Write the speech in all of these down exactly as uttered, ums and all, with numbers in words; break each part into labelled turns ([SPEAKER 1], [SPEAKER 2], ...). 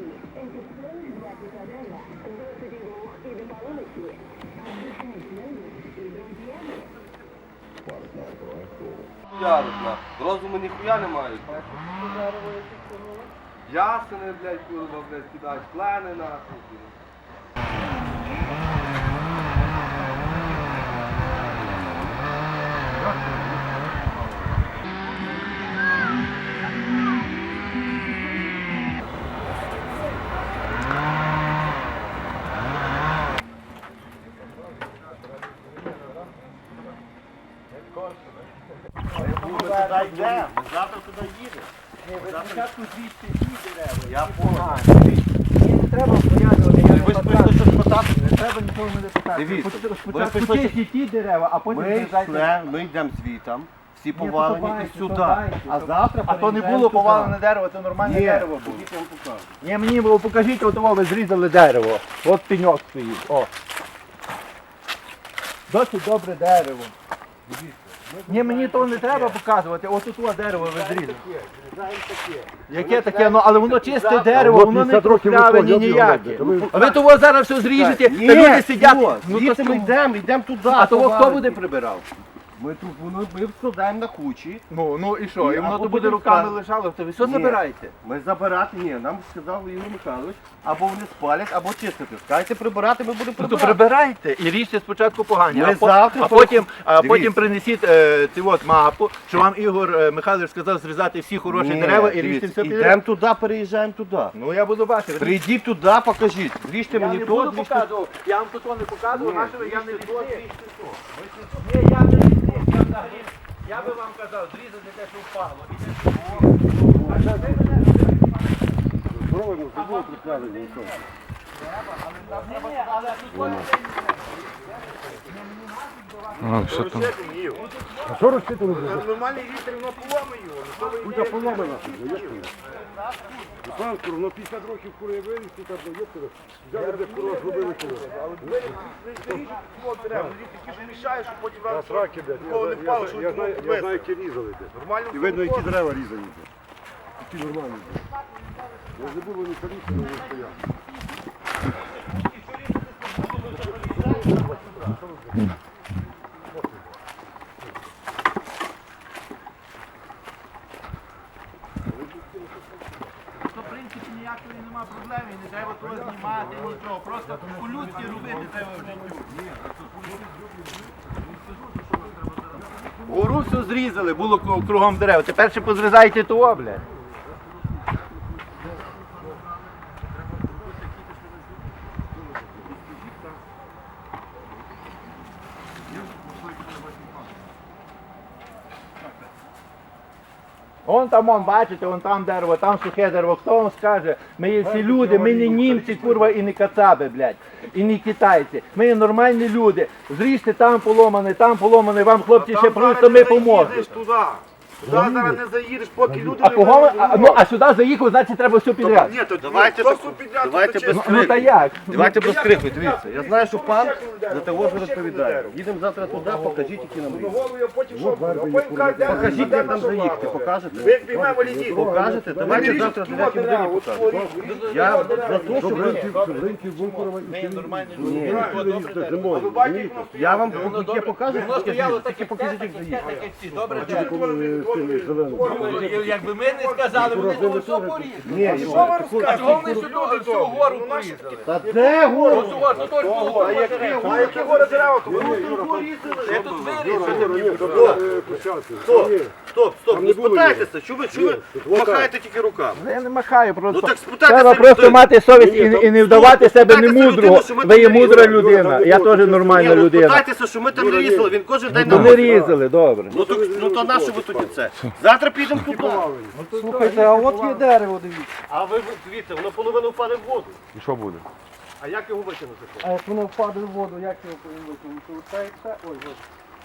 [SPEAKER 1] Ярусна. Розуму ніхуя не мають. Ясени, блядь, курва, блядь, кидають, плени нахуй.
[SPEAKER 2] Завтра туди їде.
[SPEAKER 3] Спочатку звідси ті дерева.
[SPEAKER 2] Я понял.
[SPEAKER 3] Мені не треба пояснювати, я не
[SPEAKER 2] Ви ж
[SPEAKER 3] питаю.
[SPEAKER 2] прийшли щось питати?
[SPEAKER 3] Не треба нікого не питати.
[SPEAKER 2] Дивіться,
[SPEAKER 3] Спочатку
[SPEAKER 2] ви прийшли-
[SPEAKER 3] чисті ті дерева, а потім
[SPEAKER 2] Ми
[SPEAKER 3] зрізайте.
[SPEAKER 2] йшли, ми йдемо звітом, всі
[SPEAKER 3] то
[SPEAKER 2] повалені
[SPEAKER 3] давайте,
[SPEAKER 2] і
[SPEAKER 3] то
[SPEAKER 2] сюди.
[SPEAKER 3] давайте,
[SPEAKER 2] А
[SPEAKER 3] то-
[SPEAKER 2] завтра
[SPEAKER 3] А то не
[SPEAKER 2] переїжджаємо
[SPEAKER 3] було
[SPEAKER 2] туди.
[SPEAKER 3] повалене дерево, це нормальне
[SPEAKER 2] Ні,
[SPEAKER 3] дерево було.
[SPEAKER 2] я вам покажу.
[SPEAKER 3] Ні, мені було, покажіть, от ви зрізали дерево. От пеньок стоїть. О. Досить добре дерево. Ні, мені того не треба показувати, от тут дерево ви зрізали. Яке таке? Ну, але воно чисте дерево, воно не прокляве ні ніяке. А ви того зараз все зріжете, та люди сидять. Ну, то
[SPEAKER 2] звідси ми
[SPEAKER 3] що?
[SPEAKER 2] йдемо, йдемо туди.
[SPEAKER 3] А того хто
[SPEAKER 2] повалені.
[SPEAKER 3] буде прибирав?
[SPEAKER 2] Ми тут, воно, ми складаємо на кучі.
[SPEAKER 3] Ну, ну і що? І воно
[SPEAKER 2] Або
[SPEAKER 3] то буде
[SPEAKER 2] буде
[SPEAKER 3] руками
[SPEAKER 2] вказ-
[SPEAKER 3] лежало, то ви все
[SPEAKER 2] Ні.
[SPEAKER 3] забираєте?
[SPEAKER 2] Ми забирати, ні, нам сказав Ігор Михайлович, або вони спалять, або чистити. Скажете прибирати, ми будемо
[SPEAKER 3] Ну то
[SPEAKER 2] прибирати.
[SPEAKER 3] прибирайте і ріжте спочатку погані,
[SPEAKER 2] Ми
[SPEAKER 3] а, по-
[SPEAKER 2] завтра
[SPEAKER 3] а потім, а
[SPEAKER 2] Дивіться.
[SPEAKER 3] потім принесіть е, цю от мапу, що вам Ігор е, Михайлович сказав зрізати всі хороші
[SPEAKER 2] Ні,
[SPEAKER 3] дерева і ріжте
[SPEAKER 2] дивіться,
[SPEAKER 3] все підряд.
[SPEAKER 2] Йдемо туди, переїжджаємо туди.
[SPEAKER 3] Ну я буду бачити.
[SPEAKER 2] Прийдіть туди, покажіть. Ріжте
[SPEAKER 3] Я
[SPEAKER 2] мені
[SPEAKER 3] не
[SPEAKER 2] то,
[SPEAKER 3] буду
[SPEAKER 2] ріжте.
[SPEAKER 3] показував, я вам тут не показував,
[SPEAKER 2] Ні,
[SPEAKER 3] нашого я не
[SPEAKER 2] ріжте то,
[SPEAKER 3] лісник.
[SPEAKER 2] ріжте то.
[SPEAKER 3] Ні, я не лісник, я взагалі, я би вам казав, зрізати те, що впало. І те, що впало. А що ви мене
[SPEAKER 2] Здоровимо, здоровимо, прикладемо, нічого.
[SPEAKER 3] Ні, ні, але тут ось це
[SPEAKER 4] А що розчитали?
[SPEAKER 1] Нормальний вітер, воно поломає його.
[SPEAKER 4] Куди поломана? Панську, воно п'ятдесят років кури вирісти, там до єптера. Взяли де курва, зробили курва.
[SPEAKER 1] Мішає, щоб потім
[SPEAKER 4] А сраки, блядь, я
[SPEAKER 1] Кого не
[SPEAKER 4] знаю-
[SPEAKER 1] впало,
[SPEAKER 4] я
[SPEAKER 1] що
[SPEAKER 4] знаю-
[SPEAKER 1] ви
[SPEAKER 4] я знаю,
[SPEAKER 1] підвезли.
[SPEAKER 4] я знаю, які різали. блядь.
[SPEAKER 1] Нормально
[SPEAKER 4] І видно, які дерева різані. блядь. Які нормальні. блядь. Я не був, вони колісні, вони стояли.
[SPEAKER 3] То, в принципі, ніякої нема проблеми, не треба того знімати, нічого. Просто по-людськи робити треба в життю. Гору все зрізали, було кру- кругом дерев. Тепер ще позрізайте того, блядь. Вон там, вон, бачите, вон там дерево, там сухе дерево. Хто вам скаже? Ми є всі люди, ми не німці, курва, і не кацаби, блядь, і не китайці. Ми є нормальні люди. Зріжте там поломане, там поломане, вам хлопці ще просто ми поможемо.
[SPEAKER 1] туди. Туди зараз не заїдеш, поки люди
[SPEAKER 3] А кого ви, а, ну, а сюди заїхав, значить треба все підряд.
[SPEAKER 1] Ні, то
[SPEAKER 2] Давайте
[SPEAKER 1] просто
[SPEAKER 2] так,
[SPEAKER 1] підняти.
[SPEAKER 2] давайте
[SPEAKER 1] то
[SPEAKER 2] без
[SPEAKER 3] Ну,
[SPEAKER 1] чесно.
[SPEAKER 3] ну та як?
[SPEAKER 2] Давайте без крику, дивіться. Я знаю, що пан за того ж розповідає. Їдемо завтра туди, покажіть, які нам різні.
[SPEAKER 1] Голову я потім що? А потім кажуть, де
[SPEAKER 2] Покажіть,
[SPEAKER 1] де
[SPEAKER 2] як нам
[SPEAKER 1] наша
[SPEAKER 2] заїхати,
[SPEAKER 1] влада.
[SPEAKER 2] покажете?
[SPEAKER 1] Ви піймемо лідів.
[SPEAKER 2] Покажете? Давайте завтра в дев'ятій годині покажете. Я за те, щоб ви...
[SPEAKER 4] Ринки Бункурова і
[SPEAKER 3] Ми нормальні
[SPEAKER 2] Ні.
[SPEAKER 3] люди.
[SPEAKER 4] зимою.
[SPEAKER 2] Я вам яке покажу,
[SPEAKER 3] Воно
[SPEAKER 2] тільки
[SPEAKER 3] стояло
[SPEAKER 2] тільки
[SPEAKER 3] таке,
[SPEAKER 2] покажіть, як
[SPEAKER 3] таке,
[SPEAKER 2] заїхати.
[SPEAKER 3] таке, всі. Добре,
[SPEAKER 4] Коли з тими зеленими.
[SPEAKER 3] якби ми не сказали, вони того все порізали.
[SPEAKER 2] Ні,
[SPEAKER 1] Що ви
[SPEAKER 3] А
[SPEAKER 1] розказуєте?
[SPEAKER 3] чого вони сюди всю гору порізали?
[SPEAKER 2] та де гору?
[SPEAKER 3] Ось у вас, тут ось було.
[SPEAKER 1] А які гори, які гори дерева? То вони
[SPEAKER 3] Я тут вирізали.
[SPEAKER 2] Стоп, стоп, стоп, не спитайтеся, що ви, що ви махаєте тільки руками?
[SPEAKER 3] Я не махаю, просто.
[SPEAKER 2] Ну так спитайтеся
[SPEAKER 3] Треба просто
[SPEAKER 2] людину.
[SPEAKER 3] мати совість і, і не вдавати себе
[SPEAKER 2] Спитайтеся
[SPEAKER 3] немудрого.
[SPEAKER 2] людину, що ми
[SPEAKER 3] Ви
[SPEAKER 2] там
[SPEAKER 3] є
[SPEAKER 2] не
[SPEAKER 3] мудра
[SPEAKER 2] різали.
[SPEAKER 3] людина, я теж
[SPEAKER 2] Ні,
[SPEAKER 3] нормальна
[SPEAKER 2] ну
[SPEAKER 3] людина.
[SPEAKER 2] спитайтеся, що ми там не різали, він кожен день
[SPEAKER 3] Ну
[SPEAKER 2] нам
[SPEAKER 3] не різали, добре.
[SPEAKER 2] Ну то, ну то на що ви тоді це? Завтра підемо туди.
[SPEAKER 3] Слухайте, а от є дерево, дивіться.
[SPEAKER 2] А ви дивіться, воно половину впаде в воду.
[SPEAKER 4] І що буде?
[SPEAKER 2] А як його витягнути?
[SPEAKER 3] А як воно впаде в воду, як його повинно викинути? Це, це, ой, ось.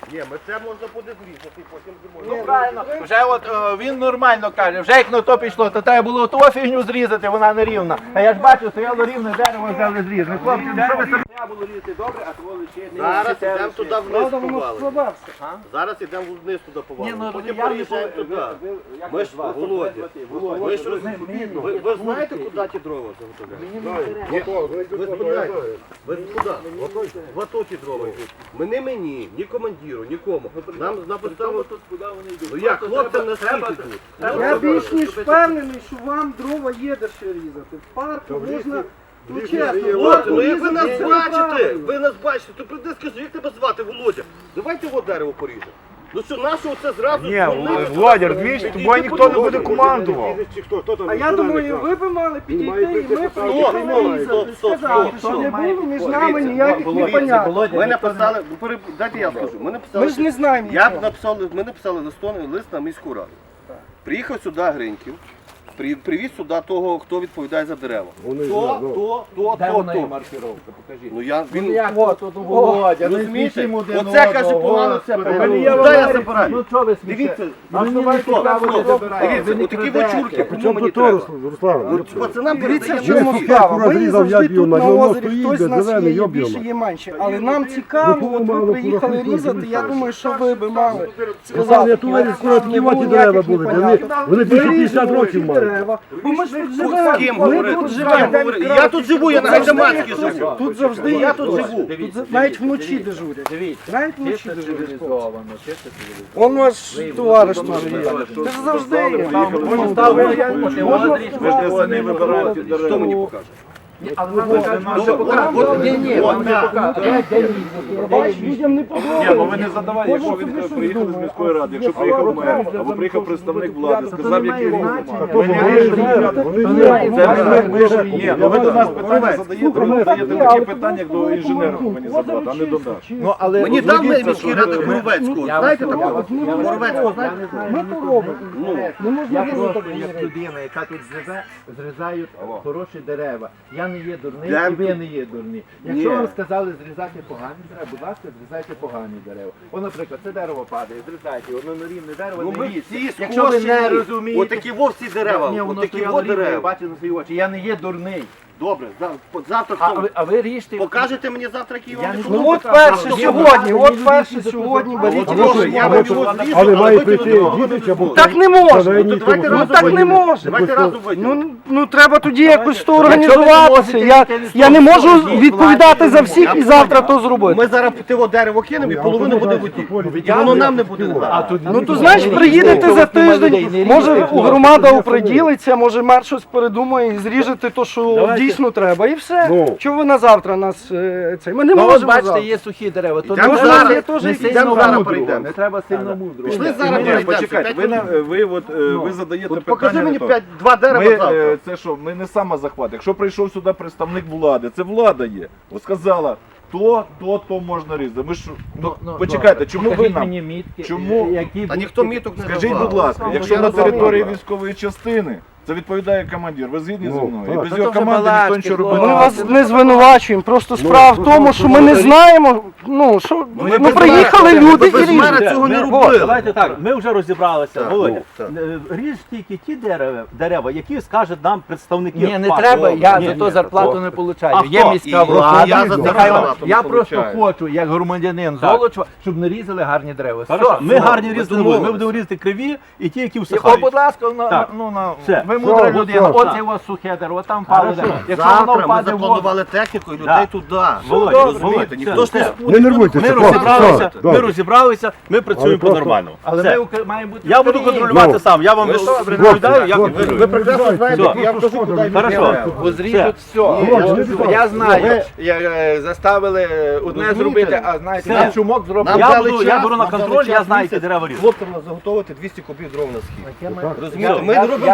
[SPEAKER 2] Ні, ми це можна буде зрізати, потім
[SPEAKER 3] Ну
[SPEAKER 2] зимою.
[SPEAKER 3] правильно, вже от е, він нормально каже, вже як на то пішло, то треба було ту фігню зрізати, вона не рівна. А я ж бачу, стояло рівне дерево, взяли зрізати. Хлопці, ну що ви собі? Треба було різати добре, а того лишити.
[SPEAKER 2] Зараз йдемо туди вниз
[SPEAKER 1] воно
[SPEAKER 2] повалимо.
[SPEAKER 1] складався.
[SPEAKER 2] Зараз йдемо вниз туди
[SPEAKER 3] Ні,
[SPEAKER 2] повалимо.
[SPEAKER 3] ну,
[SPEAKER 2] Потім
[SPEAKER 3] я не
[SPEAKER 2] переїжджаємо
[SPEAKER 3] по-
[SPEAKER 2] туди.
[SPEAKER 3] ви- ви- як
[SPEAKER 2] Ми
[SPEAKER 3] ви
[SPEAKER 2] ж,
[SPEAKER 3] звати?
[SPEAKER 2] Володя,
[SPEAKER 3] Володя,
[SPEAKER 2] ви ж роз-
[SPEAKER 3] ми- ми-
[SPEAKER 2] ви- ви знаєте, куди ті дрова заготовляють? Ви спитайте, ви куди? В АТО ті дрова йдуть. Ми не мені, ні командиру, нікому. Нам написали, ну як, хлопцям на скільки тут?
[SPEAKER 1] Я більш ніж впевнений, що вам дрова є де ще різати. В парку можна, ну чесно, в
[SPEAKER 2] Володя,
[SPEAKER 1] парку
[SPEAKER 2] ну як ви нас
[SPEAKER 1] різати
[SPEAKER 2] бачите,
[SPEAKER 1] неправильно.
[SPEAKER 2] ви нас бачите, то прийди скажи, як тебе звати, Володя? Давайте його дерево поріжемо. Ну що, нашого це зразу?
[SPEAKER 5] Ні,
[SPEAKER 2] звільнити?
[SPEAKER 5] Володя, розумієш, тобою ніхто не буде командував.
[SPEAKER 1] А я думаю, ви б мали підійти і ми
[SPEAKER 2] Стоп,
[SPEAKER 1] поїхали
[SPEAKER 2] стоп,
[SPEAKER 1] різати.
[SPEAKER 2] стоп, стоп,
[SPEAKER 1] Сказати,
[SPEAKER 2] стоп,
[SPEAKER 1] що
[SPEAKER 2] стоп.
[SPEAKER 1] не було між нами
[SPEAKER 2] Дивіться,
[SPEAKER 1] ніяких
[SPEAKER 2] Володя,
[SPEAKER 1] непоняток.
[SPEAKER 2] Ми написали, ну, переб- дайте я скажу, ми написали,
[SPEAKER 1] Ми ж не знаємо
[SPEAKER 2] я
[SPEAKER 1] нічого.
[SPEAKER 2] написали, ми написали листон, лист на міську раду. Приїхав сюди Гриньків, при- привіз сюди того, хто відповідає за дерева.
[SPEAKER 4] Вони
[SPEAKER 2] То,
[SPEAKER 4] знають, ну.
[SPEAKER 2] то, то,
[SPEAKER 3] Де
[SPEAKER 2] то,
[SPEAKER 3] вона є
[SPEAKER 2] то.
[SPEAKER 3] маркіровка, покажіть.
[SPEAKER 2] Ну я, він,
[SPEAKER 3] Як от, тут Володя, ну
[SPEAKER 2] розумієте,
[SPEAKER 3] смішимо один
[SPEAKER 2] оце каже
[SPEAKER 3] одного,
[SPEAKER 2] погано, це
[SPEAKER 3] Господи.
[SPEAKER 2] погано.
[SPEAKER 3] Мені я
[SPEAKER 2] Куди я
[SPEAKER 3] говорю,
[SPEAKER 2] забираю?
[SPEAKER 3] Ну що ви смієте?
[SPEAKER 2] Дивіться,
[SPEAKER 3] А
[SPEAKER 2] ну,
[SPEAKER 3] мені
[SPEAKER 2] стоп,
[SPEAKER 3] цікаво,
[SPEAKER 2] стоп,
[SPEAKER 3] де забираєте.
[SPEAKER 2] дивіться,
[SPEAKER 3] Ви не
[SPEAKER 2] отакі
[SPEAKER 3] крадете.
[SPEAKER 2] вочурки, кому
[SPEAKER 4] Чому
[SPEAKER 2] мені
[SPEAKER 4] тут
[SPEAKER 2] треба?
[SPEAKER 4] Руслан, Руслан?
[SPEAKER 2] Ну, пацанам
[SPEAKER 1] Дивіться, в
[SPEAKER 2] передаємо
[SPEAKER 1] чому
[SPEAKER 2] всі.
[SPEAKER 1] справа. Ми
[SPEAKER 4] розрізав,
[SPEAKER 1] завжди
[SPEAKER 4] я б'ю,
[SPEAKER 1] тут
[SPEAKER 4] на
[SPEAKER 1] на
[SPEAKER 4] ньому
[SPEAKER 1] озері,
[SPEAKER 4] стоїть,
[SPEAKER 1] хтось з нас
[SPEAKER 4] зелений,
[SPEAKER 1] є
[SPEAKER 4] я
[SPEAKER 1] більше,
[SPEAKER 4] б'ю.
[SPEAKER 1] є менше. Але нам цікаво,
[SPEAKER 4] Ну,
[SPEAKER 1] от
[SPEAKER 4] мало,
[SPEAKER 1] ви приїхали
[SPEAKER 4] кураху,
[SPEAKER 1] різати, я
[SPEAKER 4] кураху.
[SPEAKER 1] думаю, що ви би мали
[SPEAKER 4] Сказали,
[SPEAKER 1] сказати.
[SPEAKER 4] я туди скоро такі воті дерева були, вони, вони більше п'ятдесят років мають.
[SPEAKER 1] дерева. Бо ми ж тут
[SPEAKER 2] З
[SPEAKER 1] живемо.
[SPEAKER 2] ким
[SPEAKER 1] Ми
[SPEAKER 2] говорити?
[SPEAKER 1] тут
[SPEAKER 2] З ким
[SPEAKER 1] живемо.
[SPEAKER 2] говорити? Я тут живу, я на Гайдамацькій
[SPEAKER 1] Тут-
[SPEAKER 2] живу.
[SPEAKER 1] Тут завжди
[SPEAKER 2] Я
[SPEAKER 1] є
[SPEAKER 2] тут
[SPEAKER 1] хтось.
[SPEAKER 2] живу.
[SPEAKER 1] Тут навіть вночі дежурять.
[SPEAKER 3] Дивіться,
[SPEAKER 1] Навіть вночі
[SPEAKER 3] чисто
[SPEAKER 1] дежурять.
[SPEAKER 3] цивілізовано, чисто цивілізовано.
[SPEAKER 1] Он ваш товариш теж є. Це ж завжди є.
[SPEAKER 5] Ви ж не самі вибираєте
[SPEAKER 2] Хто
[SPEAKER 5] дерева.
[SPEAKER 2] мені покаже?
[SPEAKER 3] Але нам кажуть,
[SPEAKER 2] Ну,
[SPEAKER 3] що
[SPEAKER 2] от-
[SPEAKER 3] Ні, ні, вам не покажуть.
[SPEAKER 1] Бач, людям не подобається.
[SPEAKER 5] Ні, ну ви не задавайте, якщо він приїхали з міської ради, якщо приїхав мер, або приїхав представник влади, сказав, який він. Ми не вирішуємо.
[SPEAKER 4] Вони
[SPEAKER 5] Це
[SPEAKER 4] знають,
[SPEAKER 5] ми, ми ж ні, ну ви до нас питання
[SPEAKER 1] Слухай,
[SPEAKER 5] задаєте, ви
[SPEAKER 1] слухай,
[SPEAKER 5] задаєте
[SPEAKER 1] але
[SPEAKER 5] такі питання, як до інженера повинні задавати, а не до нас.
[SPEAKER 3] Ну, але
[SPEAKER 2] Мені дав
[SPEAKER 5] Згодіться,
[SPEAKER 2] міський
[SPEAKER 5] що
[SPEAKER 2] ради
[SPEAKER 5] ви-
[SPEAKER 2] Горовецького.
[SPEAKER 3] Я
[SPEAKER 2] Знаєте
[SPEAKER 3] вас-
[SPEAKER 2] такого?
[SPEAKER 1] Ми не
[SPEAKER 2] Горовецького,
[SPEAKER 1] робимо.
[SPEAKER 2] знаєте?
[SPEAKER 1] Ми то робимо. Не можна
[SPEAKER 3] Я
[SPEAKER 1] робити.
[SPEAKER 3] просто як людина, яка тут живе, зрізають хороші дерева. Я не є дурний,
[SPEAKER 2] Я-
[SPEAKER 3] і ви не є дурні. Якщо
[SPEAKER 2] Ні.
[SPEAKER 3] вам сказали зрізати погані дерева, будь ласка, зрізайте погані дерева. О, наприклад, це дерево падає, зрізайте його, воно на рівне дерево,
[SPEAKER 2] Ну
[SPEAKER 3] не
[SPEAKER 2] ми
[SPEAKER 3] ріжте.
[SPEAKER 2] всі
[SPEAKER 3] Якщо ви не
[SPEAKER 2] скошені.
[SPEAKER 3] розумієте,
[SPEAKER 2] Отакі вовсі дерева,
[SPEAKER 3] ні, воно
[SPEAKER 2] отакі
[SPEAKER 3] стояло
[SPEAKER 2] во
[SPEAKER 3] рівне, я
[SPEAKER 2] дерева.
[SPEAKER 3] бачу на свої очі, я не є дурний.
[SPEAKER 2] Добре, за- завтра
[SPEAKER 3] А
[SPEAKER 2] хто?
[SPEAKER 3] ви, а ви ріжте.
[SPEAKER 2] Покажете мені завтра, який
[SPEAKER 3] Я
[SPEAKER 2] вам
[SPEAKER 3] не
[SPEAKER 2] відсоток?
[SPEAKER 1] Ну от
[SPEAKER 3] Покажу.
[SPEAKER 1] перше
[SPEAKER 3] Ну,
[SPEAKER 1] сьогодні,
[SPEAKER 3] мені
[SPEAKER 1] от перше
[SPEAKER 3] більше
[SPEAKER 1] сьогодні
[SPEAKER 3] запитати.
[SPEAKER 1] беріть
[SPEAKER 2] А
[SPEAKER 1] його.
[SPEAKER 2] що, я вам його зріжу,
[SPEAKER 4] але має
[SPEAKER 2] ви
[SPEAKER 4] прийти
[SPEAKER 2] тут
[SPEAKER 4] дідич або
[SPEAKER 1] Так не можна.
[SPEAKER 2] Ну, то давайте
[SPEAKER 1] Ну
[SPEAKER 2] разом
[SPEAKER 1] так не
[SPEAKER 2] вийдемо.
[SPEAKER 1] можна.
[SPEAKER 2] Давайте разом вийдемо.
[SPEAKER 1] Ну, ну треба тоді якось то
[SPEAKER 3] Якщо ви не
[SPEAKER 1] організуватися.
[SPEAKER 3] можете,
[SPEAKER 1] Я,
[SPEAKER 3] яке не
[SPEAKER 1] я не
[SPEAKER 3] слово,
[SPEAKER 1] можу
[SPEAKER 3] скажіть,
[SPEAKER 1] відповідати
[SPEAKER 3] владі,
[SPEAKER 1] за
[SPEAKER 3] ну,
[SPEAKER 1] всіх
[SPEAKER 2] я
[SPEAKER 1] і завтра
[SPEAKER 2] понял.
[SPEAKER 1] то зробити.
[SPEAKER 2] Ми зараз того дерево кинемо і половина буде в воді. І воно нам не буде.
[SPEAKER 3] А тут
[SPEAKER 1] Ну то значить приїдете за тиждень, може громада оприділиться, може мер щось передумає і зріжете то, що дійсно треба, і все.
[SPEAKER 4] Ну.
[SPEAKER 1] Чого ви на завтра нас е, цей? Ми не
[SPEAKER 3] Ну, от
[SPEAKER 1] можемо
[SPEAKER 3] бачите,
[SPEAKER 1] завтра.
[SPEAKER 3] є сухі дерева. То
[SPEAKER 2] Йдемо
[SPEAKER 3] не
[SPEAKER 2] зараз,
[SPEAKER 3] треба-
[SPEAKER 1] я теж
[SPEAKER 3] не
[SPEAKER 1] йдемо
[SPEAKER 3] сильно
[SPEAKER 2] зараз
[SPEAKER 3] мудрого,
[SPEAKER 2] перейдемо.
[SPEAKER 3] не треба сильно мудрого.
[SPEAKER 2] Пішли
[SPEAKER 5] Ні,
[SPEAKER 2] зараз
[SPEAKER 5] ні,
[SPEAKER 2] перейдемо.
[SPEAKER 5] почекайте, ви, на- ви, от, е, ви задаєте
[SPEAKER 2] От
[SPEAKER 5] питання.
[SPEAKER 2] покажи
[SPEAKER 5] не
[SPEAKER 2] мені
[SPEAKER 5] то.
[SPEAKER 2] п'ять, два дерева
[SPEAKER 5] Ми,
[SPEAKER 2] завтра.
[SPEAKER 5] е, це що, ми не самозахват. Якщо прийшов сюди представник влади, це влада є. От сказала, то, то, то можна різати. Ми ж, ну,
[SPEAKER 3] Ну,
[SPEAKER 5] почекайте,
[SPEAKER 3] добре.
[SPEAKER 5] чому ви
[SPEAKER 3] Покажіть
[SPEAKER 5] нам?
[SPEAKER 3] мені мітки,
[SPEAKER 5] Чому?
[SPEAKER 3] е, які
[SPEAKER 2] Та
[SPEAKER 3] будь-
[SPEAKER 2] ніхто міток не
[SPEAKER 5] Скажіть,
[SPEAKER 2] давав.
[SPEAKER 5] будь ласка, якщо
[SPEAKER 2] Я
[SPEAKER 5] на
[SPEAKER 2] не знаю.
[SPEAKER 5] території військової частини, це відповідає командир. Ви згідні зі
[SPEAKER 4] Ну,
[SPEAKER 5] мною?
[SPEAKER 4] так.
[SPEAKER 5] І без
[SPEAKER 3] Та
[SPEAKER 5] його
[SPEAKER 3] то вже
[SPEAKER 5] команди ніхто
[SPEAKER 3] балачки,
[SPEAKER 5] нічого
[SPEAKER 3] хлопці.
[SPEAKER 5] робити
[SPEAKER 1] Ми
[SPEAKER 5] не
[SPEAKER 1] вас
[SPEAKER 5] буде.
[SPEAKER 1] не звинувачуємо, просто справа в тому, що ми не знаємо, ну що,
[SPEAKER 2] ми
[SPEAKER 1] ну
[SPEAKER 2] без
[SPEAKER 1] приїхали
[SPEAKER 2] мера-
[SPEAKER 1] люди
[SPEAKER 2] ми без
[SPEAKER 1] і
[SPEAKER 2] мера
[SPEAKER 1] ріжуть.
[SPEAKER 2] цього не
[SPEAKER 6] Ми-
[SPEAKER 2] робили.
[SPEAKER 6] Давайте так, ми вже розібралися,
[SPEAKER 2] Так,
[SPEAKER 6] Володя.
[SPEAKER 2] ну, так.
[SPEAKER 6] Е, Ріж тільки ті дерева, дерева, які скажуть нам представники.
[SPEAKER 3] Ні, не
[SPEAKER 6] партії.
[SPEAKER 3] треба, я
[SPEAKER 6] Ні,
[SPEAKER 3] за
[SPEAKER 6] ні.
[SPEAKER 3] то зарплату
[SPEAKER 6] О.
[SPEAKER 3] не
[SPEAKER 6] А
[SPEAKER 3] получаю.
[SPEAKER 6] хто?
[SPEAKER 3] Є міська
[SPEAKER 2] І
[SPEAKER 3] влада.
[SPEAKER 2] я за
[SPEAKER 3] Нехай
[SPEAKER 2] зарплату
[SPEAKER 3] вам- Я
[SPEAKER 5] не
[SPEAKER 3] просто
[SPEAKER 5] получаю.
[SPEAKER 3] хочу, як громадянин
[SPEAKER 6] Так.
[SPEAKER 3] Золочева, щоб не різали гарні дерева.
[SPEAKER 6] Хорошо,
[SPEAKER 3] Все,
[SPEAKER 6] ми
[SPEAKER 3] все.
[SPEAKER 6] гарні різати не будемо, ми
[SPEAKER 2] домовились.
[SPEAKER 6] будемо різати криві і ті, які
[SPEAKER 3] О,
[SPEAKER 6] всихають.
[SPEAKER 3] будь ласка, на,
[SPEAKER 6] Так.
[SPEAKER 3] ну, на,
[SPEAKER 6] Все.
[SPEAKER 3] ви мудра
[SPEAKER 4] Все,
[SPEAKER 3] людина,
[SPEAKER 4] все.
[SPEAKER 3] оце у вас сухе дерево, там пало
[SPEAKER 6] Хорошо.
[SPEAKER 3] дерево. Якщо воно
[SPEAKER 2] Завтра ми
[SPEAKER 3] впаде в воду,
[SPEAKER 2] запланували техніку і людей
[SPEAKER 6] Так.
[SPEAKER 2] туди.
[SPEAKER 6] Володя,
[SPEAKER 2] Ви
[SPEAKER 6] Володя,
[SPEAKER 2] розумієте, ніхто ж не
[SPEAKER 6] все.
[SPEAKER 2] спорить.
[SPEAKER 4] Не нервуйтеся,
[SPEAKER 6] Ми
[SPEAKER 4] хлопці,
[SPEAKER 6] розібралися,
[SPEAKER 4] все,
[SPEAKER 6] ми
[SPEAKER 4] добре.
[SPEAKER 6] розібралися, ми працюємо
[SPEAKER 4] просто-
[SPEAKER 6] по-нормальному.
[SPEAKER 3] але
[SPEAKER 6] Все.
[SPEAKER 3] ми ук- маємо бути
[SPEAKER 6] Я буду
[SPEAKER 3] вторинні.
[SPEAKER 6] контролювати
[SPEAKER 4] Ну.
[SPEAKER 6] сам, я вам
[SPEAKER 2] Ви що,
[SPEAKER 6] розповідаю, як
[SPEAKER 4] хлопці,
[SPEAKER 6] ви
[SPEAKER 2] Ви прекрасно знаєте,
[SPEAKER 6] Все.
[SPEAKER 2] я кажу, куди йти
[SPEAKER 6] Хорошо.
[SPEAKER 2] дерева.
[SPEAKER 3] Бо зріжуть все.
[SPEAKER 4] Володя, не так.
[SPEAKER 3] Я знаю,
[SPEAKER 2] Ви-
[SPEAKER 3] як е, заставили е, одне
[SPEAKER 2] Розумієте?
[SPEAKER 3] зробити, а знаєте,
[SPEAKER 6] Все.
[SPEAKER 3] на чумок зробити.
[SPEAKER 2] Нам
[SPEAKER 6] Я
[SPEAKER 2] дали
[SPEAKER 6] буду-
[SPEAKER 2] час,
[SPEAKER 6] я беру на
[SPEAKER 2] нам дали
[SPEAKER 6] контроль, я
[SPEAKER 2] час
[SPEAKER 6] знаю, які
[SPEAKER 2] місяць
[SPEAKER 6] дерева різати.
[SPEAKER 2] Хлопцям нас заготовити двісті кубів дров на схід. Розумієте,
[SPEAKER 3] Я-
[SPEAKER 2] ми
[SPEAKER 3] я
[SPEAKER 2] робимо
[SPEAKER 3] не
[SPEAKER 2] добре
[SPEAKER 3] по
[SPEAKER 2] діло.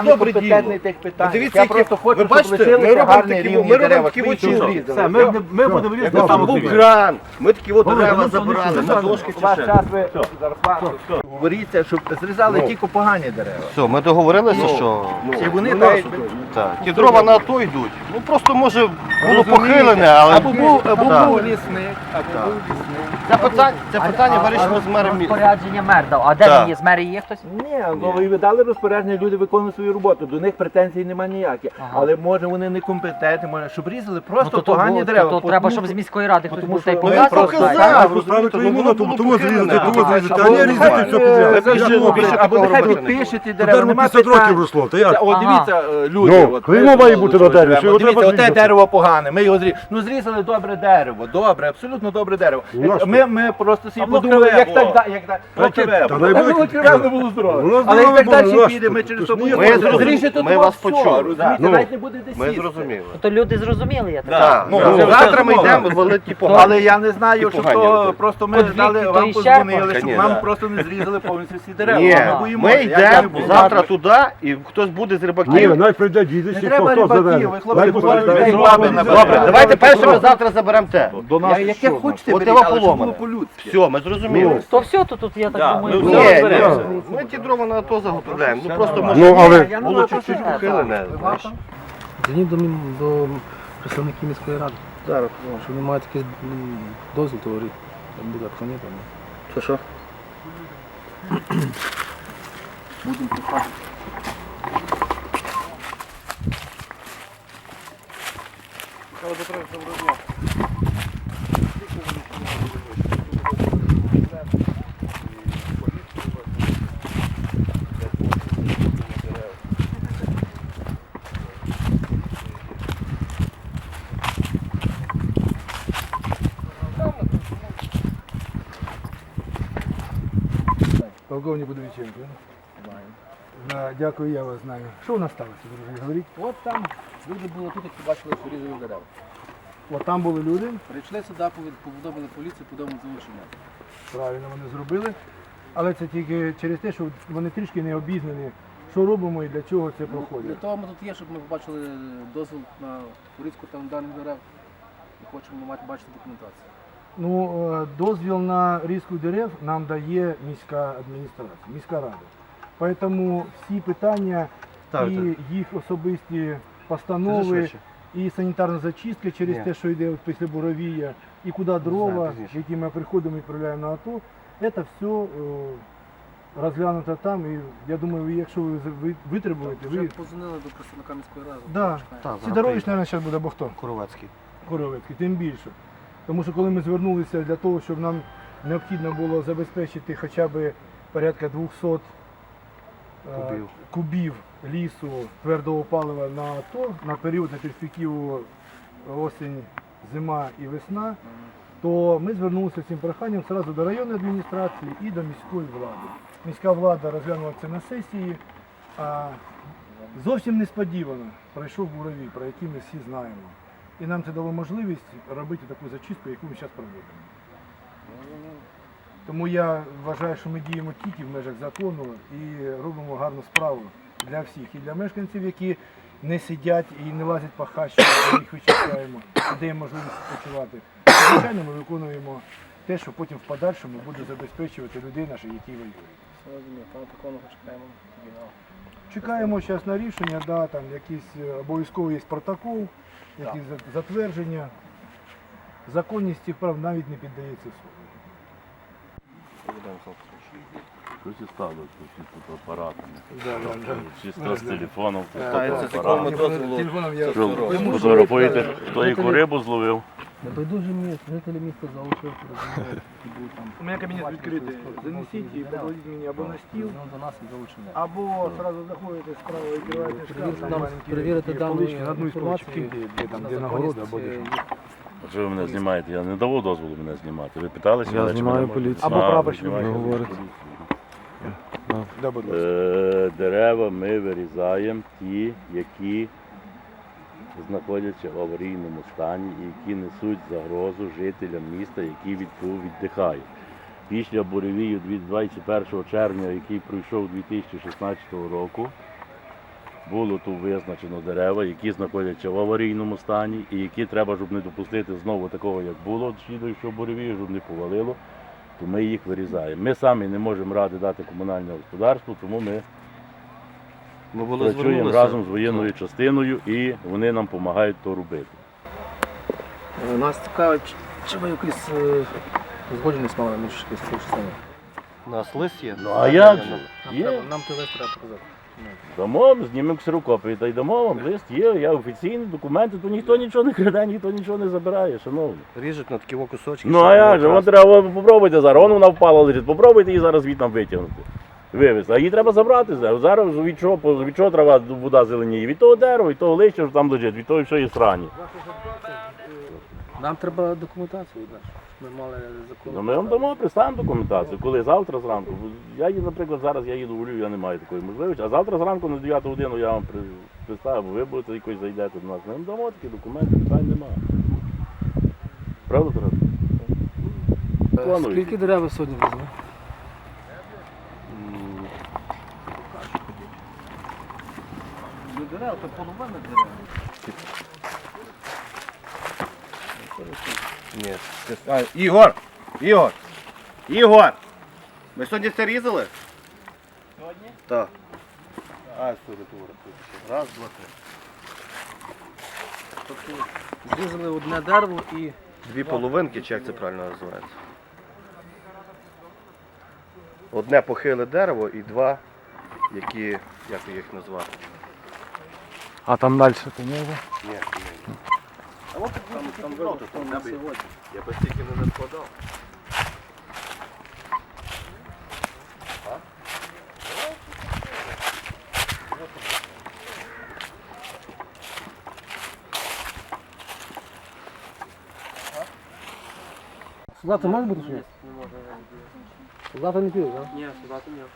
[SPEAKER 3] пріоритетних тих питань.
[SPEAKER 2] Дивіться,
[SPEAKER 3] Я
[SPEAKER 2] які-
[SPEAKER 3] просто хочу,
[SPEAKER 2] ви
[SPEAKER 3] щоб
[SPEAKER 2] бачите, ми
[SPEAKER 3] лишилися
[SPEAKER 2] робимо
[SPEAKER 3] гарні
[SPEAKER 2] такі,
[SPEAKER 3] рівні
[SPEAKER 2] ми робимо
[SPEAKER 3] дерева.
[SPEAKER 2] такі
[SPEAKER 3] Квітів
[SPEAKER 2] очі.
[SPEAKER 3] різати.
[SPEAKER 6] Все, ми, ми будемо різати там
[SPEAKER 2] Там був
[SPEAKER 6] окрім.
[SPEAKER 2] гран, ми такі от дерева
[SPEAKER 6] ну,
[SPEAKER 2] забирали на дошки чи
[SPEAKER 3] Ваш
[SPEAKER 2] ще.
[SPEAKER 3] час ви зарплату. Говоріться, щоб зрізали тільки погані дерева.
[SPEAKER 2] Все, ми договорилися, що
[SPEAKER 3] І вони дають...
[SPEAKER 2] так, ті дрова на АТО йдуть. Ну просто може було похилене, але
[SPEAKER 3] Або був, або
[SPEAKER 2] Так.
[SPEAKER 3] був лісник, або був лісник.
[SPEAKER 2] це питання, це питання вирішено з мером міста.
[SPEAKER 7] Розпорядження мер дав. А де
[SPEAKER 2] Так.
[SPEAKER 7] він є? З мерії є хтось?
[SPEAKER 3] Ні, ну ви дали розпорядження, люди виконують свою роботу, до них претензій немає ніяких.
[SPEAKER 7] Ага.
[SPEAKER 3] Але може вони некомпетентні, може, щоб різали
[SPEAKER 7] Ну,
[SPEAKER 3] просто
[SPEAKER 7] то, то,
[SPEAKER 3] погані
[SPEAKER 7] то,
[SPEAKER 3] дерева.
[SPEAKER 7] то, то треба, щоб з міської ради хтось
[SPEAKER 3] тому
[SPEAKER 7] був
[SPEAKER 3] що-
[SPEAKER 7] та й
[SPEAKER 3] ну,
[SPEAKER 2] Ну
[SPEAKER 7] показав.
[SPEAKER 2] я
[SPEAKER 3] просто
[SPEAKER 2] показав,
[SPEAKER 3] так,
[SPEAKER 2] розумієте,
[SPEAKER 4] Ставити йому
[SPEAKER 2] воно
[SPEAKER 4] на
[SPEAKER 2] було
[SPEAKER 4] тому зрізати,
[SPEAKER 2] похилене.
[SPEAKER 4] того зрізати, а
[SPEAKER 3] Або
[SPEAKER 4] не різати
[SPEAKER 3] нехай,
[SPEAKER 4] все
[SPEAKER 3] е,
[SPEAKER 4] підряд.
[SPEAKER 3] ви
[SPEAKER 4] Як
[SPEAKER 3] ж,
[SPEAKER 4] воно
[SPEAKER 3] більше-
[SPEAKER 4] буде?
[SPEAKER 3] Або нехай
[SPEAKER 2] Дерево
[SPEAKER 3] підпишете
[SPEAKER 4] Дерево
[SPEAKER 3] дерева, нема
[SPEAKER 4] п'ятдесят років
[SPEAKER 3] питань.
[SPEAKER 4] росло, та як?
[SPEAKER 3] О,
[SPEAKER 7] Ага.
[SPEAKER 3] дивіться, е, люди.
[SPEAKER 4] Ну,
[SPEAKER 3] от,
[SPEAKER 4] клеймо
[SPEAKER 3] ви
[SPEAKER 4] має
[SPEAKER 3] тут
[SPEAKER 4] бути на
[SPEAKER 3] живемо.
[SPEAKER 4] дереві, що його
[SPEAKER 3] Дивіться,
[SPEAKER 4] треба
[SPEAKER 3] оте
[SPEAKER 4] зрізати.
[SPEAKER 3] дерево погане, ми його зрізали. Ну зрізали добре дерево, добре, абсолютно добре дерево.
[SPEAKER 4] Ну, а що?
[SPEAKER 3] Ми, ми просто собі
[SPEAKER 6] А воно
[SPEAKER 3] подумали,
[SPEAKER 6] криве
[SPEAKER 3] як
[SPEAKER 6] було.
[SPEAKER 3] так, да- як так.
[SPEAKER 4] Та
[SPEAKER 3] Криве
[SPEAKER 4] та
[SPEAKER 3] було.
[SPEAKER 4] дай
[SPEAKER 3] Воно
[SPEAKER 4] Бог,
[SPEAKER 3] криве не було здорове.
[SPEAKER 4] Воно
[SPEAKER 3] Але як
[SPEAKER 4] здорове
[SPEAKER 3] так
[SPEAKER 4] було,
[SPEAKER 3] далі
[SPEAKER 4] ну, а
[SPEAKER 3] піде,
[SPEAKER 4] що
[SPEAKER 3] ми
[SPEAKER 4] ти?
[SPEAKER 3] через
[SPEAKER 4] Ти
[SPEAKER 3] то
[SPEAKER 4] ж не
[SPEAKER 3] будемо.
[SPEAKER 2] Ми зрозуміли,
[SPEAKER 3] Зріжете
[SPEAKER 2] ми
[SPEAKER 3] тут
[SPEAKER 2] вас
[SPEAKER 3] все,
[SPEAKER 2] почули.
[SPEAKER 3] розумієте,
[SPEAKER 2] Ну,
[SPEAKER 3] навіть не буде де
[SPEAKER 2] Ми
[SPEAKER 3] сісти.
[SPEAKER 2] зрозуміли.
[SPEAKER 7] То люди зрозуміли, я так.
[SPEAKER 2] Так, ну,
[SPEAKER 3] Ну,
[SPEAKER 2] завтра ми
[SPEAKER 3] ну,
[SPEAKER 2] йдемо валити ті погані.
[SPEAKER 3] Але я не знаю,
[SPEAKER 2] І
[SPEAKER 3] що
[SPEAKER 2] погані
[SPEAKER 3] то
[SPEAKER 2] люди.
[SPEAKER 3] просто ми
[SPEAKER 7] Подвір'я,
[SPEAKER 3] дали
[SPEAKER 7] то
[SPEAKER 3] вам
[SPEAKER 7] і ще
[SPEAKER 3] позвонили, щоб
[SPEAKER 2] Ні,
[SPEAKER 3] нам
[SPEAKER 2] да.
[SPEAKER 3] просто не зрізали повністю всі дерева.
[SPEAKER 2] Ні,
[SPEAKER 3] Ми боїмося.
[SPEAKER 2] ми
[SPEAKER 3] Як не
[SPEAKER 2] йдемо
[SPEAKER 3] було?
[SPEAKER 2] завтра туди, і хтось буде з
[SPEAKER 4] Ні,
[SPEAKER 2] рибаків.
[SPEAKER 4] навіть прийде дідусь,
[SPEAKER 3] Не
[SPEAKER 4] і
[SPEAKER 3] треба
[SPEAKER 4] хто хто
[SPEAKER 3] рибаків,
[SPEAKER 4] заведе.
[SPEAKER 3] ви, хлопці,
[SPEAKER 4] Дай
[SPEAKER 3] говорите,
[SPEAKER 4] Бог, дай
[SPEAKER 3] дай
[SPEAKER 4] Бог.
[SPEAKER 3] баби на
[SPEAKER 2] Добре,
[SPEAKER 3] Добре,
[SPEAKER 2] давайте першими завтра заберемо те.
[SPEAKER 5] До нас
[SPEAKER 3] Я- Яке
[SPEAKER 5] що?
[SPEAKER 3] хочете
[SPEAKER 2] От
[SPEAKER 3] беріть,
[SPEAKER 2] його
[SPEAKER 3] але щоб
[SPEAKER 2] поломане.
[SPEAKER 3] було по-людськи.
[SPEAKER 2] Все, ми зрозуміли.
[SPEAKER 7] То все, то тут я так
[SPEAKER 6] Да,
[SPEAKER 7] думаю.
[SPEAKER 6] ми
[SPEAKER 2] Ні,
[SPEAKER 7] все
[SPEAKER 6] все
[SPEAKER 2] ні,
[SPEAKER 6] розберемося.
[SPEAKER 2] ми ті дрова на АТО заготовляємо. Ну просто може
[SPEAKER 4] Ну, але
[SPEAKER 3] Я
[SPEAKER 2] було
[SPEAKER 3] думаю,
[SPEAKER 2] чуть-чуть
[SPEAKER 3] просто-
[SPEAKER 2] похилене.
[SPEAKER 3] Ви
[SPEAKER 2] знаєш.
[SPEAKER 3] вам?
[SPEAKER 8] Дзвоніть до, мі- до представників міської ради.
[SPEAKER 2] Зараз.
[SPEAKER 8] Якщо ви маєте якийсь м, дозвіл, то говоріть. Там буде обхоняти.
[SPEAKER 2] Що що?
[SPEAKER 8] Полковник Будовиченко. Да, дякую, я вас знаю. Що у нас сталося, друзі? Говоріть.
[SPEAKER 9] От там люди були тут, які бачили, що різали дерева.
[SPEAKER 8] От там були люди,
[SPEAKER 9] Прийшли сюди, повід- повідомили поліцію, повідомили залучення.
[SPEAKER 8] правильно вони зробили. Але це тільки через те, що вони трішки не обізнані, що робимо і для чого це
[SPEAKER 9] Для
[SPEAKER 8] проходить.
[SPEAKER 9] того ми тут є, щоб ми побачили дозвіл на порізку там даних дерев і хочемо мати бачити документацію.
[SPEAKER 8] Ну, е, дозвіл на різку дерев нам дає міська адміністрація, міська рада. Тому всі питання і їх особисті постанови, і санітарна зачистка через
[SPEAKER 2] Ні.
[SPEAKER 8] те, що йде от після буровія, і куди дрова, які ми приходимо і відправляємо на АТО, це все е, розглянуто там. І я думаю, ви, якщо ви з- ви витребуєте,
[SPEAKER 9] Вже
[SPEAKER 8] ви...
[SPEAKER 9] позвонили до представника міської ради.
[SPEAKER 8] Да.
[SPEAKER 9] чекаємо.
[SPEAKER 8] Сидорович, мабуть, зараз буде, або хто?
[SPEAKER 2] Коровецький.
[SPEAKER 8] Коровецький, тим більше. Тому що коли ми звернулися для того, щоб нам необхідно було забезпечити хоча б порядка двісті е,
[SPEAKER 2] Кубів.
[SPEAKER 8] кубів лісу твердого палива на АТО на період на перспективу осінь, зима і весна, то ми звернулися з цим проханням одразу до районної адміністрації і до міської влади. Міська влада розглянула це на сесії, а зовсім несподівано пройшов буровій, про який ми всі знаємо. І нам це дало можливість робити таку зачистку, яку ми зараз проводимо. Тому я вважаю, що ми діємо тільки в межах закону і робимо гарну справу для всіх. І для мешканців, які не сидять і не лазять по хащі, ми їх вичищаємо, і даємо можливість відпочивати. Звичайно, ми виконуємо те, що потім в подальшому буде забезпечувати людей наших, які воюють.
[SPEAKER 9] Все розумію, пане Петровичу, чекаємо оригінал.
[SPEAKER 8] Чекаємо зараз на рішення, да, там якийсь е, обов'язково є протокол, якісь за- затвердження. Законність цих прав навіть не піддається суду.
[SPEAKER 10] Щось і стало, щось тут апаратами.
[SPEAKER 8] Да, да, да.
[SPEAKER 10] Чисто з телефоном, то
[SPEAKER 2] Ставиться
[SPEAKER 10] з
[SPEAKER 2] такому
[SPEAKER 10] апаратом.
[SPEAKER 2] дозволу.
[SPEAKER 8] Телефоном я
[SPEAKER 10] Що, фотографуєте, хто яку рибу зловив?
[SPEAKER 9] Небайдужі місць, жителі міста залучили, розуміють, які будуть там.
[SPEAKER 8] У мене кабінет відкритий. Занесіть і покладіть мені або на стіл,
[SPEAKER 9] Ну, до нас і залучення.
[SPEAKER 8] або одразу заходите справа і відкриваєте шкаф.
[SPEAKER 9] Перевірте
[SPEAKER 8] там
[SPEAKER 9] нам-
[SPEAKER 8] маленькі
[SPEAKER 9] перевірити
[SPEAKER 8] такі
[SPEAKER 9] дану
[SPEAKER 8] полички, на одну із поличок
[SPEAKER 9] інформацію,
[SPEAKER 8] киньте, де там,
[SPEAKER 9] на
[SPEAKER 8] де нагорода або де
[SPEAKER 9] законність,
[SPEAKER 8] що.
[SPEAKER 9] е,
[SPEAKER 10] А що ви мене знімаєте? Я не давав дозволу мене знімати. Ви питалися?
[SPEAKER 1] Я
[SPEAKER 10] мене, чи
[SPEAKER 1] знімаю
[SPEAKER 10] мене можна?
[SPEAKER 1] поліцію.
[SPEAKER 10] А,
[SPEAKER 8] Або
[SPEAKER 10] ви
[SPEAKER 8] прапорщик
[SPEAKER 10] знімаєте
[SPEAKER 1] говорить.
[SPEAKER 10] поліцію.
[SPEAKER 8] Да, будь ласка.
[SPEAKER 10] Е, Дерева ми вирізаємо ті, які знаходяться в аварійному стані і які несуть загрозу жителям міста, які від цього віддихають. Після буревію двадцять першого червня, який пройшов дві тисячі шістнадцятого року, було тут визначено дерева, які знаходяться в аварійному стані і які треба, щоб не допустити знову такого, як було слідуючого буревію, щоб не повалило, то ми їх вирізаємо. Ми самі не можемо ради дати комунальне господарство, тому ми
[SPEAKER 2] Ми були
[SPEAKER 10] працюємо
[SPEAKER 2] звернулися.
[SPEAKER 10] разом з воєнною частиною і вони нам допомагають то робити.
[SPEAKER 9] Е, Нас цікавить, чи ви якісь е, згодженість мали між частинами?
[SPEAKER 2] У нас лист є.
[SPEAKER 10] Ну а як же?
[SPEAKER 9] Нам
[SPEAKER 10] Є.
[SPEAKER 9] треба, нам той лист треба показати.
[SPEAKER 10] Дамо, знімемо ксерокопії та й дамо вам лист, є, я офіційні документи, то ніхто нічого не краде, ніхто нічого не забирає, шановні.
[SPEAKER 2] Ріжуть на такі о кусочки.
[SPEAKER 10] Ну
[SPEAKER 2] щоб
[SPEAKER 10] а як
[SPEAKER 2] було
[SPEAKER 10] же, вон
[SPEAKER 2] красно.
[SPEAKER 10] треба, попробуйте зараз, вон вона впала лежить, попробуйте її зараз звідти нам витягнути. Вивезти. А її треба забрати зараз. Зараз від чого, від чого трава вода зеленіє? Від того дерева, від того листя, що там лежить, від того, що є срані.
[SPEAKER 9] Нам треба документацію від нас. Ми мали закон.
[SPEAKER 10] Ну ми вам дамо, представимо документацію, коли завтра зранку. Я їду, наприклад, зараз я їду у Львів, я не маю такої можливості, а завтра зранку на дев'яту годину я вам при- представлю, бо ви будете якось зайдете до нас. Ми вам дамо такі документи, питань немає. Правда, Тарас?
[SPEAKER 9] Е,
[SPEAKER 10] Планують.
[SPEAKER 9] Скільки дерев ви сьогодні везли?
[SPEAKER 2] Ні. це- А, Ігор! Ігор! Ігор! Ми сьогодні це різали? Сьогодні? Так. А, сьогодні тут. Раз, два, три.
[SPEAKER 9] Тобто зрізали одне дерево і
[SPEAKER 2] Дві половинки, чи як це правильно називається? Одне похиле дерево і два, які, як їх назвати?
[SPEAKER 8] А там далі то не
[SPEAKER 2] Ні, ні. А от там, там вилки, там я би, я би стільки не складав.
[SPEAKER 9] Солдати можуть бути чи ні? Солдати не підуть, так? Ні, солдати ні.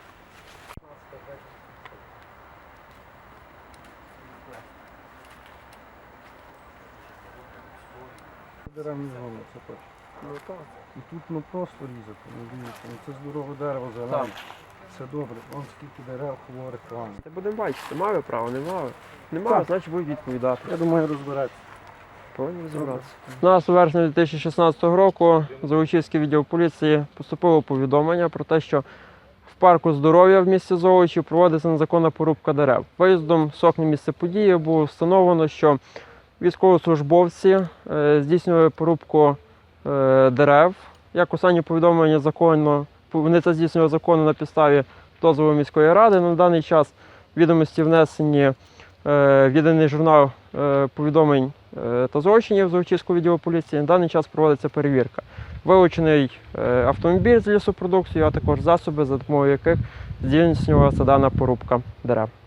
[SPEAKER 1] Дерев не згодом, це точно. Ну так. І тут ну просто різати, ну дивіться, ну це здорове дерево зелене. Це добре, вон скільки дерев хворих планів.
[SPEAKER 11] Будемо бачити, мали право, не мали. Не мали, значить будуть відповідати.
[SPEAKER 1] Я думаю, розбереться.
[SPEAKER 11] Повинні розібратися. У нас у вересні дві тисячі шістнадцятого року Золочівський відділ поліції поступило повідомлення про те, що в парку здоров'я в місті Золочі проводиться незаконна порубка дерев. Виїздом з окна місця події було встановлено, що військовослужбовці е, здійснювали порубку е, дерев. Як останнє повідомлення законно, вони це здійснювали законно на підставі дозволу міської ради. На даний час відомості внесені е, в єдиний журнал е, повідомлень е, та злочинів Золочівського відділу поліції. На даний час проводиться перевірка. Вилучений е, автомобіль з лісопродукцією, а також засоби, за допомогою яких здійснювалася дана порубка дерев.